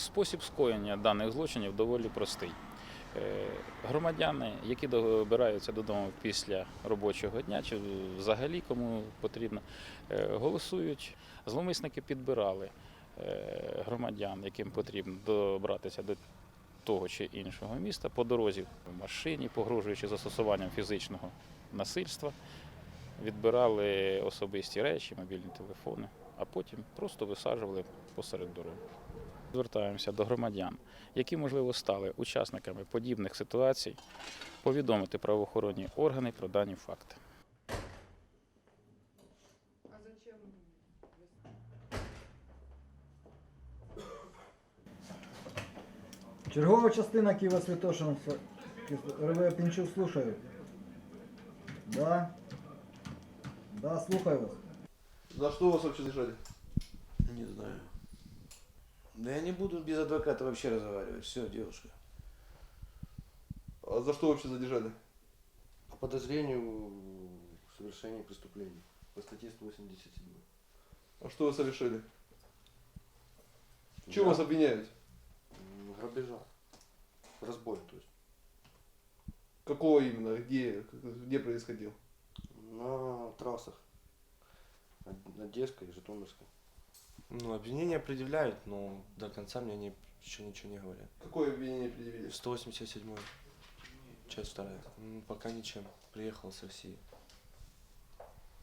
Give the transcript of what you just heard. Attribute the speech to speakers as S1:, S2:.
S1: Спосіб скоєння даних злочинів доволі простий. Громадяни, які добираються додому після робочого дня, чи взагалі кому потрібно, голосують. Зловмисники підбирали громадян, яким потрібно добратися до того чи іншого міста, по дорозі в машині, погрожуючи застосуванням фізичного насильства, відбирали особисті речі, мобільні телефони, а потім просто висаджували посеред дороги. Звертаємося до громадян, які, можливо, стали учасниками подібних ситуацій, повідомити правоохоронні органи про дані факти.
S2: А зачем?
S3: Чергова частина Києво-Святошин, РВ Пінчук, слушаю. Да? Да, слухаю вас.
S4: За что вас вообще задержали?
S5: Не знаю. Да я не буду без адвоката вообще разговаривать. Все, девушка.
S4: А за что вообще задержали?
S5: По подозрению в совершении преступлений. По статье 187.
S4: А что вы совершили? В
S5: Да.
S4: чем вас обвиняют?
S5: Грабежа. Разбой, то есть.
S4: Какого именно? Где происходил?
S5: На трассах. Одесской и Житомирской.
S6: Ну, обвинения предъявляют, но до конца мне еще ничего не говорят.
S4: Какое обвинение предъявили?
S6: 187 часть 2. Пока ничем. Приехал с России.